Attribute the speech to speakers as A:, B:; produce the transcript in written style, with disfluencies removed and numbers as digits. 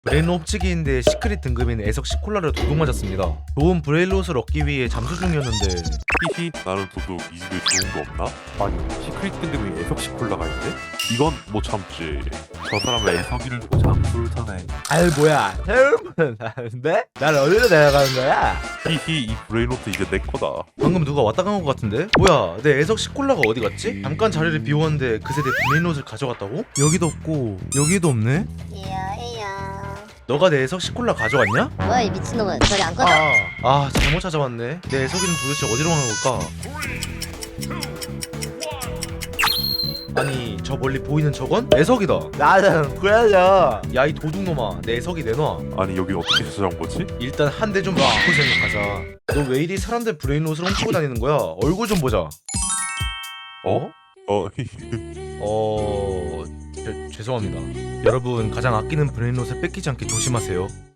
A: 브레인롯 훔치기인데 시크릿 등급인 애석시 콜라를 도둑 맞았습니다. 좋은 브레인롯을 얻기 위해 잠수 중이었는데
B: 히히 나는 도둑 이 집에 좋은 거 없나? 아니 시크릿 등급이 애석시 콜라가 있대? 이건 못 참지. 저 사람은 애석이를 두고 잠수를 타네.
A: 아이 뭐야 태우면 나는데? 날 어디로 내려가는 거야?
B: 히히 이 브레인로트 이제 내 거다.
A: 방금 누가 왔다 간 것 같은데? 뭐야 내 애석시 콜라가 어디 갔지? 잠깐 자리를 비웠는데 그새 내 브레인롯을 가져갔다고? 여기도 없고 여기도 없네?
C: 이야.
A: 너가 내 애석시 콜라 가져갔냐?
C: 뭐야 이 미친놈은 저리 안 꺼져?
A: 잘못 찾아왔네. 내 애석이는 도대체 어디로 간 걸까? 아니 저 멀리 보이는 저건? 애석이다. 나는 그래야. 야이 도둑놈아 내 애석이 내놔.
B: 아니 여기 어떻게 찾아온 거지?
A: 일단 한 대 좀 맞고 생각하자. 너 왜 이리 사람들 브레인롯을 훔치고 다니는 거야? 얼굴 좀 보자.
B: 어? 히히.
A: 죄송합니다. 여러분 가장 아끼는 브레인롯을 뺏기지 않게 조심하세요.